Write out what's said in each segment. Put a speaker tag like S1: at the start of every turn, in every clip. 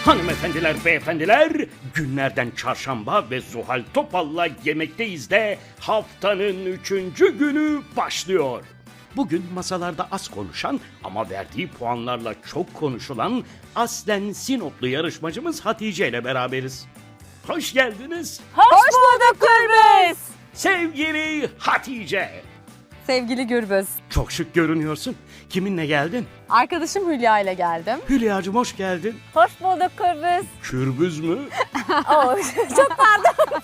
S1: Hanımefendiler, beyefendiler, günlerden çarşamba ve Zuhal Topal'la yemekteyiz de haftanın 3. günü başlıyor. Bugün masalarda az konuşan ama verdiği puanlarla çok konuşulan aslen Sinoplu yarışmacımız Hatice ile beraberiz. Hoş geldiniz
S2: Hoş bulduk Gürbüz.
S1: sevgili Hatice.
S2: Sevgili Gürbüz.
S1: Çok şık görünüyorsun. Kiminle geldin?
S2: Arkadaşım Hülya ile geldim.
S1: Hülya'cığım hoş geldin.
S2: Hoş bulduk Gürbüz.
S1: Kürbüz mü?
S2: Çok pardon.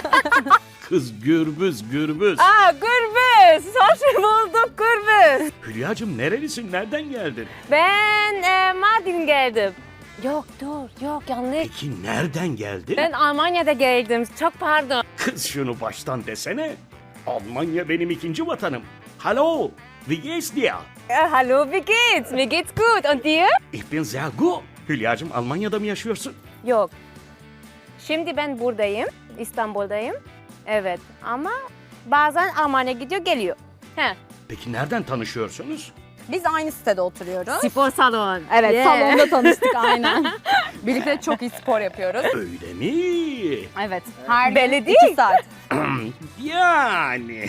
S1: Kız gürbüz.
S2: Gürbüz. Hoş bulduk Gürbüz.
S1: Hülya'cığım nerelisin? Nereden geldin?
S3: Ben Mardin geldim. Yok yanlış.
S1: Peki nereden geldin?
S3: Ben Almanya'da geldim. Çok pardon.
S1: Kız şunu baştan desene. Almanya benim ikinci vatanım. Hallo, wie geht's dir?
S3: Hallo, wie geht's? Mir geht's gut. Und dir?
S1: Ich bin sehr gut. Hülya'cığım Almanya'da mı yaşıyorsun?
S3: Yok. Şimdi ben buradayım. İstanbul'dayım. Evet ama bazen Almanya gidiyor geliyor. He.
S1: Peki nereden tanışıyorsunuz?
S2: Biz aynı sitede oturuyoruz.
S3: Spor salon.
S2: Evet,
S3: Yeah.
S2: salonda tanıştık aynen. Birlikte çok iyi spor yapıyoruz.
S1: Öyle mi?
S2: Evet, her
S3: Belli
S2: gün
S3: değil.
S2: 2 saat.
S1: Yani.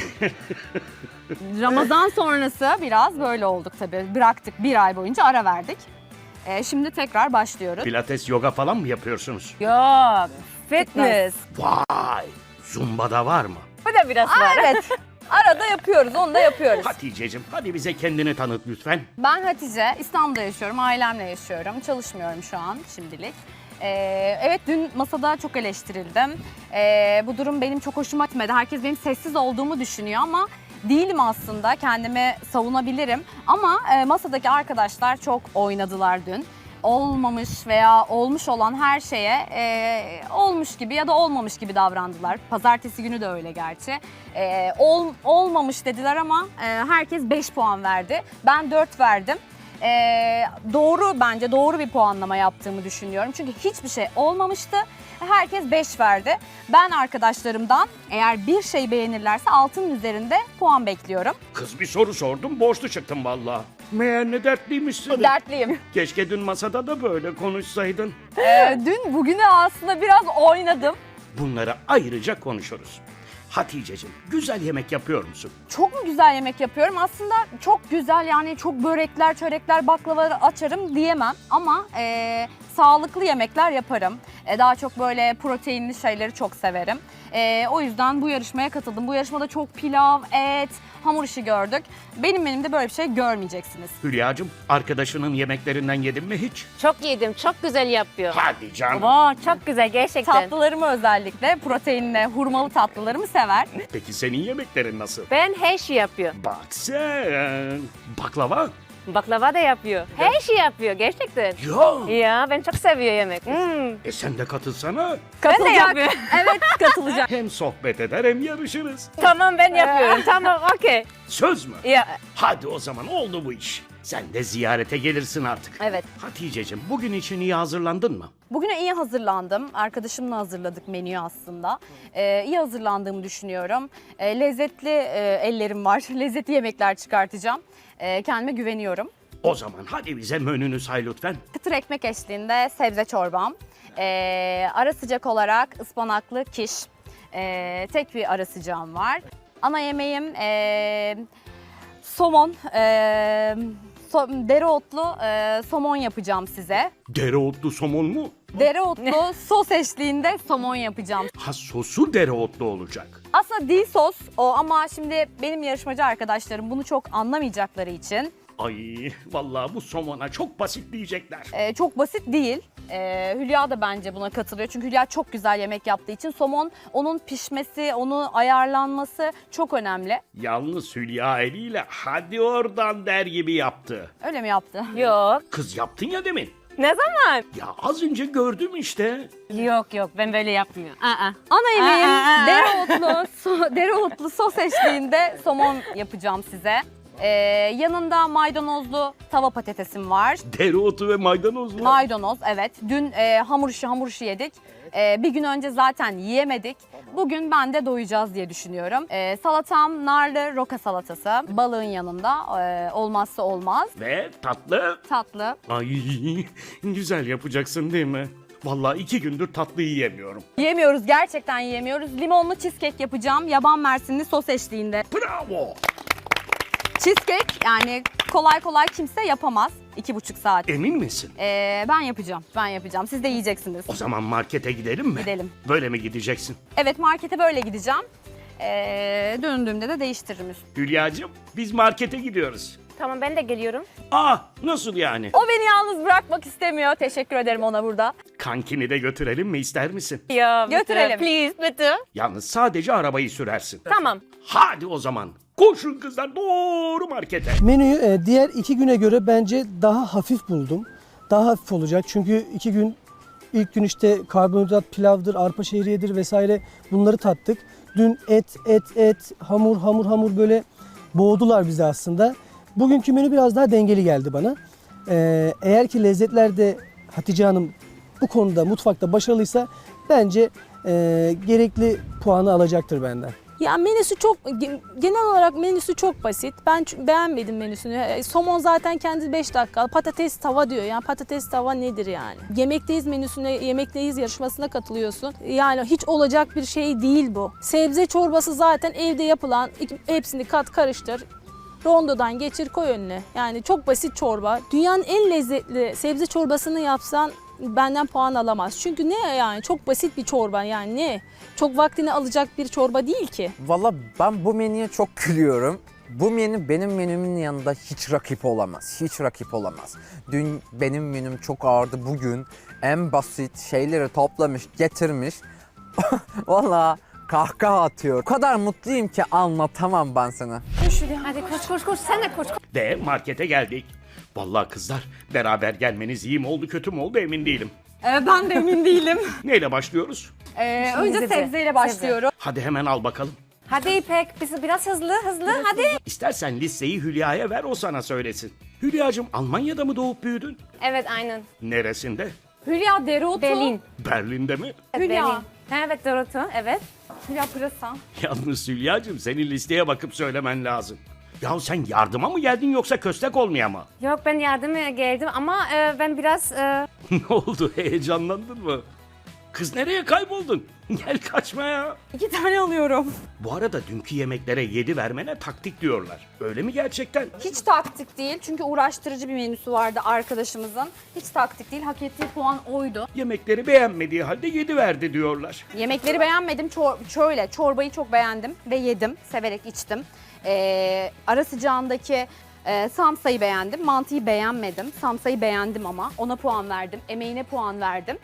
S2: Ramazan sonrası biraz böyle olduk tabii. Bıraktık, 1 ay boyunca ara verdik. Şimdi tekrar başlıyoruz.
S1: Pilates, yoga falan mı yapıyorsunuz?
S3: Yok. Fitness.
S1: Vay, Zumba'da var mı?
S3: Bu da biraz var.
S2: Evet, arada yapıyoruz, onu da yapıyoruz.
S1: Hatice'cim hadi bize kendini tanıt lütfen.
S2: Ben Hatice, İstanbul'da yaşıyorum, ailemle yaşıyorum. Çalışmıyorum şu an şimdilik. Evet, dün masada çok eleştirildim. Bu durum benim çok hoşuma gitmedi. Herkes benim sessiz olduğumu düşünüyor ama değilim aslında. Kendimi savunabilirim. Ama masadaki arkadaşlar çok oynadılar dün. Olmamış veya olmuş olan her şeye olmuş gibi ya da olmamış gibi davrandılar. Pazartesi günü de öyle gerçi. Olmamış dediler ama herkes 5 puan verdi. Ben 4 verdim. Bence doğru bir puanlama yaptığımı düşünüyorum. Çünkü hiçbir şey olmamıştı. Herkes 5 verdi. Ben arkadaşlarımdan eğer bir şey beğenirlerse 6'nın üzerinde puan bekliyorum.
S1: Kız bir soru sordum, borçlu çıktım vallahi. Meğer ne dertliymişsin.
S2: Dertliyim.
S1: Keşke dün masada da böyle konuşsaydın.
S2: Dün bugünü aslında biraz oynadım.
S1: Bunları ayrıca konuşuruz. Hatice'cim güzel yemek yapıyor musun?
S2: Çok mu güzel yemek yapıyorum? Aslında çok güzel, yani çok börekler, çörekler, baklavaları açarım diyemem. Ama sağlıklı yemekler yaparım. Daha çok böyle proteinli şeyleri çok severim. O yüzden bu yarışmaya katıldım. Bu yarışmada çok pilav, et, hamur işi gördük. Benim menümde böyle bir şey görmeyeceksiniz.
S1: Hülya'cığım arkadaşının yemeklerinden yedin mi hiç?
S3: Çok yedim. Çok güzel yapıyor.
S1: Hadi canım.
S3: Wow, çok güzel gerçekten.
S2: Tatlılarımı özellikle proteinli, hurmalı tatlılarımı sever.
S1: Peki senin yemeklerin nasıl?
S3: Ben her şey yapıyor.
S1: Bak sen. Baklava?
S3: Baklava da yapıyor. Her şey yapıyor gerçekten.
S1: Ya.
S3: Ya ben çok seviyorum yemek.
S1: Sen de katılsana.
S3: Ben de yapıyorum.
S2: Evet, katılacağım.
S1: Hem sohbet eder hem yarışırız.
S3: Tamam ben yapıyorum. Tamam okey.
S1: Söz mü?
S3: Ya
S1: Hadi o zaman oldu bu iş. Sen de ziyarete gelirsin artık.
S2: Evet.
S1: Hatice'cim bugün için iyi hazırlandın mı?
S2: Bugüne iyi hazırlandım. Arkadaşımla hazırladık menüyü aslında. İyi hazırlandığımı düşünüyorum. Lezzetli ellerim var. Lezzetli yemekler çıkartacağım. Kendime güveniyorum.
S1: O zaman hadi bize menünü say lütfen.
S2: Kıtır ekmek eşliğinde sebze çorbam. Ara sıcak olarak ıspanaklı kiş. Tek bir ara sıcağım var. Ana yemeğim somon. Dereotlu somon yapacağım size.
S1: Dereotlu somon mu?
S2: Dereotlu sos eşliğinde somon yapacağım.
S1: Ha sosu dereotlu olacak.
S2: Aslında değil sos o, ama şimdi benim yarışmacı arkadaşlarım bunu çok anlamayacakları için
S1: Ay vallahi bu somona çok basit diyecekler.
S2: çok basit değil. Hülya da bence buna katılıyor. Çünkü Hülya çok güzel yemek yaptığı için somon, onun pişmesi, onu ayarlanması çok önemli.
S1: Yalnız Hülya eliyle hadi oradan der gibi yaptı.
S2: Öyle mi yaptı?
S3: yok.
S1: Kız yaptın ya demin.
S3: Ne zaman?
S1: Ya az önce gördüm işte.
S3: Yok ben böyle yapmıyorum.
S2: Ana yemeğim dereotlu sos eşliğinde somon yapacağım size. Yanında maydanozlu tava patatesim var.
S1: Dereotu ve maydanozlu.
S2: Maydanoz, evet. Dün hamur işi yedik. Bir gün önce zaten yiyemedik. Bugün ben de doyacağız diye düşünüyorum. Salatam narlı roka salatası. Balığın yanında olmazsa olmaz.
S1: Ve tatlı.
S2: Tatlı.
S1: Ay güzel yapacaksın değil mi? Vallahi 2 gündür tatlı yiyemiyorum.
S2: Yiyemiyoruz, gerçekten yiyemiyoruz. Limonlu cheesecake yapacağım. Yaban mersinli sos eşliğinde.
S1: Bravo!
S2: Cheesecake yani kolay kolay kimse yapamaz. 2,5 saat.
S1: Emin misin?
S2: Ben yapacağım. Ben yapacağım. Siz de yiyeceksiniz.
S1: O zaman markete gidelim mi?
S2: Gidelim.
S1: Böyle mi gideceksin?
S2: Evet, markete böyle gideceğim. Döndüğümde de değiştiririm üstüne.
S1: Hülya'cığım biz markete gidiyoruz.
S3: Tamam ben de geliyorum.
S1: Nasıl yani?
S2: O beni yalnız bırakmak istemiyor. Teşekkür ederim ona burada.
S1: Kankini de götürelim mi ister misin?
S3: Ya
S2: Götürelim.
S3: Please bitte.
S1: Yalnız sadece arabayı sürersin.
S3: Tamam.
S1: Hadi o zaman. Koşun kızlar doğru markete.
S4: Menüyü diğer 2 güne göre bence daha hafif buldum. Daha hafif olacak çünkü 2 gün ilk gün işte karbonhidrat pilavdır, arpa şehriyedir vesaire bunları tattık. Dün et, hamur böyle boğdular bizi aslında. Bugünkü menü biraz daha dengeli geldi bana. Eğer ki lezzetlerde Hatice Hanım bu konuda mutfakta başarılıysa bence gerekli puanı alacaktır benden.
S5: Ya menüsü genel olarak menüsü çok basit. Ben beğenmedim menüsünü. Somon zaten kendi 5 dakika. Patates tava diyor. Yani patates tava nedir yani? Yemekteyiz menüsüne, yemekteyiz yarışmasına katılıyorsun. Yani hiç olacak bir şey değil bu. Sebze çorbası zaten evde yapılan. Hepsini kat karıştır. Rondodan geçir koy önüne. Yani çok basit çorba. Dünyanın en lezzetli sebze çorbasını yapsan benden puan alamaz. Çünkü ne yani çok basit bir çorba yani ne? Çok vaktini alacak bir çorba değil ki.
S6: Valla ben bu menüye çok gülüyorum. Bu menü benim menümün yanında hiç rakip olamaz. Hiç rakip olamaz. Dün benim menüm çok ağırdı. Bugün en basit şeyleri toplamış, getirmiş. Valla kahkaha atıyor. O kadar mutluyum ki anlatamam ben sana.
S3: Hadi koş sen de koş.
S1: Ve markete geldik. Vallahi kızlar beraber gelmeniz iyi mi oldu kötü mü oldu emin değilim.
S2: Ben de emin değilim.
S1: Neyle başlıyoruz?
S2: Önce
S3: sebze.
S2: sebzeyle başlıyorum.
S1: Hadi hemen al bakalım.
S3: Hadi İpek biraz hızlı hadi.
S1: İstersen listeyi Hülya'ya ver o sana söylesin. Hülya'cığım Almanya'da mı doğup büyüdün?
S3: Evet aynen.
S1: Neresinde?
S2: Hülya dereotu.
S3: Berlin.
S1: Berlin'de mi?
S2: Hülya.
S3: Berlin. Ha, evet Dorothy evet.
S2: Hülya pırasa.
S1: Yalnız Hülya'cığım senin listeye bakıp söylemen lazım. Ya sen yardıma mı geldin yoksa köstek olmaya mı?
S3: Yok ben yardıma geldim ama ben biraz
S1: Ne oldu heyecanlandın mı? Kız nereye kayboldun? Gel kaçma ya.
S2: 2 tane alıyorum.
S1: Bu arada dünkü yemeklere 7 vermene taktik diyorlar. Öyle mi gerçekten?
S2: Hiç taktik değil çünkü uğraştırıcı bir menüsü vardı arkadaşımızın. Hiç taktik değil, hak ettiği puan oydu.
S1: Yemekleri beğenmediği halde 7 verdi diyorlar.
S2: Yemekleri beğenmedim, çorbayı çok beğendim ve yedim, severek içtim. Ara sıcağındaki samsayı beğendim, mantıyı beğenmedim. Samsayı beğendim ama ona puan verdim, emeğine puan verdim.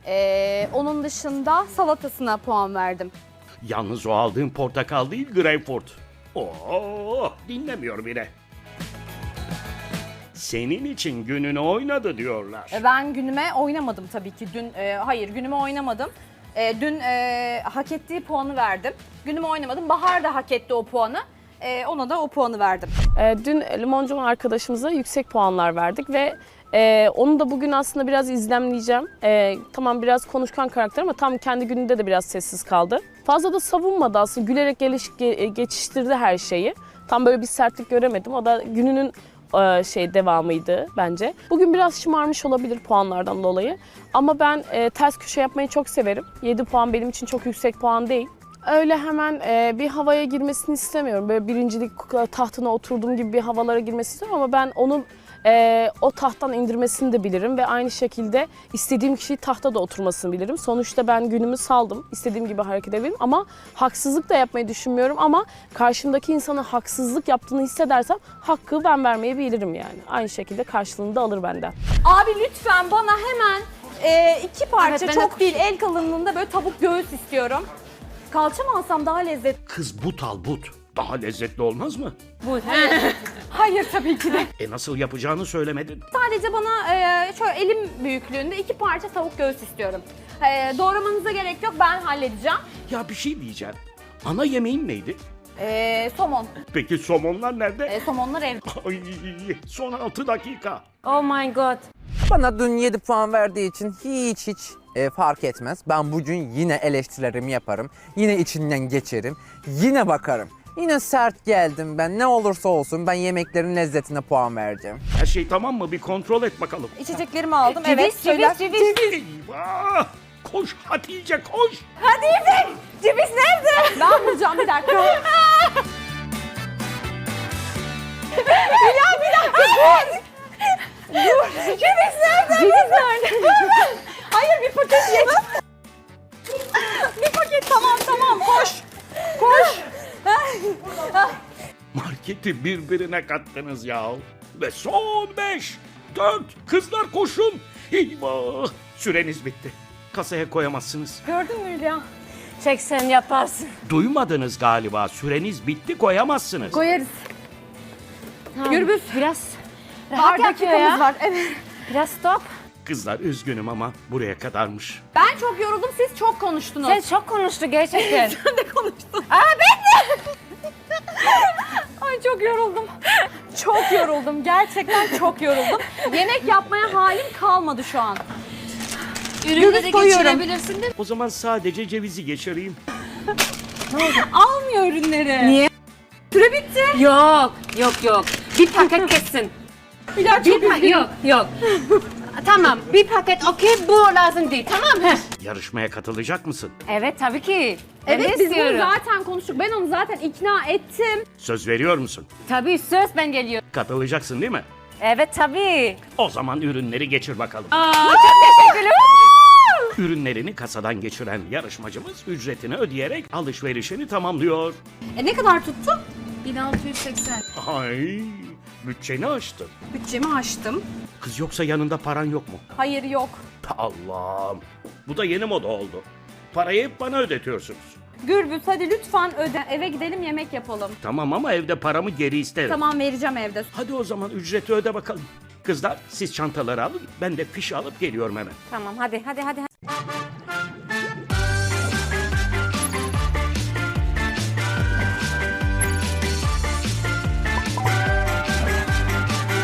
S2: Onun dışında salatasına puan verdim.
S1: Yalnız o aldığın portakal değil greyfurt. Oo, dinlemiyor bile. Senin için gününü oynadı diyorlar.
S2: Ben günüme oynamadım tabii ki. Hayır, günüme oynamadım. Dün hak ettiği puanı verdim. Günüme oynamadım. Bahar da hak etti o puanı. Ona da o puanı verdim.
S5: Dün limoncu arkadaşımıza yüksek puanlar verdik ve onu da bugün aslında biraz izlemleyeceğim. Tamam biraz konuşkan karakter ama tam kendi gününde de biraz sessiz kaldı. Fazla da savunmadı aslında, gülerek geçiştirdi her şeyi. Tam böyle bir sertlik göremedim. O da gününün devamıydı bence. Bugün biraz şımarmış olabilir puanlardan dolayı. Ama ben ters köşe yapmayı çok severim. 7 puan benim için çok yüksek puan değil. Öyle hemen bir havaya girmesini istemiyorum. Böyle birincilik tahtına oturduğum gibi bir havalara girmesini istiyorum ama ben onu o tahttan indirmesini de bilirim ve aynı şekilde istediğim kişiyi tahta da oturmasını bilirim. Sonuçta ben günümü saldım, istediğim gibi hareket edebilirim ama haksızlık da yapmayı düşünmüyorum ama karşımdaki insana haksızlık yaptığını hissedersem hakkı ben vermeyi bilirim yani. Aynı şekilde karşılığını da alır benden.
S2: Abi lütfen bana hemen 2 parça,
S3: Evet, ben de
S2: çok değil, el kalınlığında böyle tavuk göğüs istiyorum. Kalça mı alsam daha lezzetli?
S1: Kız but al but. Daha lezzetli olmaz mı?
S2: Hayır tabii ki de.
S1: Nasıl yapacağını söylemedin.
S2: Sadece bana şöyle elim büyüklüğünde 2 parça tavuk göğüs istiyorum. Doğramanıza gerek yok, ben halledeceğim.
S1: Ya bir şey diyeceğim. Ana yemeğin neydi?
S2: Somon.
S1: Peki somonlar nerede?
S2: Somonlar evde.
S1: Ay, son 6 dakika.
S3: oh my god.
S6: Bana dün 7 puan verdiği için hiç fark etmez. Ben bugün yine eleştirilerimi yaparım. Yine içinden geçerim. Yine bakarım. Yine sert geldim ben. Ne olursa olsun ben yemeklerin lezzetine puan vereceğim.
S1: Her şey tamam mı? Bir kontrol et bakalım.
S2: İçeceklerimi aldım.
S3: Ceviz,
S2: Evet, söyle.
S3: ceviz.
S1: Eyvah! Koş Hatice koş!
S3: Ceviz nerede?
S2: Ben bulacağım bir dakika. Ceviz nerede? Hayır, bir paket yedim. Bir paket, tamam koş.
S1: Marketi birbirine kattınız ya. Ve son 5, 4, kızlar koşun. Eyvah! Süreniz bitti. Kasaya koyamazsınız.
S2: Gördün mü Hülya?
S3: 80 yaparsın.
S1: Duymadınız galiba. Süreniz bitti, koyamazsınız.
S2: Koyarız.
S3: Tamam.
S2: Gürbüz.
S3: Biraz
S2: Var,
S3: rahat yapıyor
S2: dakikamız
S3: ya.
S2: var. Evet.
S3: Biraz stop.
S1: Kızlar üzgünüm ama buraya kadarmış.
S2: Ben çok yoruldum, siz çok konuştunuz.
S3: Sen çok konuştu gerçekten.
S2: Sen de konuştun. Ay çok yoruldum. Çok yoruldum. Gerçekten çok yoruldum. Yemek yapmaya halim kalmadı şu an.
S3: Ürünleri
S2: koyuyorum.
S3: geçirebilirsin değil mi?
S1: O zaman sadece cevizi geçireyim.
S2: Almıyor ürünleri.
S3: Niye?
S2: Süre bitti.
S3: Yok. Bir paket kessin.
S2: Hülya çok üzgünüm.
S3: Yok. Tamam, bir paket okey, bu lazım değil, tamam mı?
S1: Yarışmaya katılacak mısın?
S3: Evet, tabii ki. Ben de
S2: Evet, biz bunu
S3: istiyorum.
S2: zaten konuştuk. Ben onu zaten ikna ettim.
S1: Söz veriyor musun?
S3: Tabii, söz ben geliyorum.
S1: Katılacaksın değil mi?
S3: Evet, tabii.
S1: O zaman ürünleri geçir bakalım.
S3: Teşekkürler.
S1: Ürünlerini kasadan geçiren yarışmacımız ücretini ödeyerek alışverişini tamamlıyor.
S2: Ne kadar tuttu?
S3: 1680.
S1: Ay, bütçeni aştın.
S2: Bütçemi aştım.
S1: Kız yoksa yanında paran yok mu?
S2: Hayır, yok.
S1: Allah'ım. Bu da yeni moda oldu. Parayı hep bana ödetiyorsunuz.
S2: Gürbüz hadi lütfen öde. Eve gidelim, yemek yapalım.
S1: Tamam ama evde paramı geri isterim.
S2: Tamam, vereceğim evde.
S1: Hadi o zaman ücreti öde bakalım. Kızlar siz çantaları alın, ben de fişi alıp geliyorum hemen.
S3: Tamam, hadi.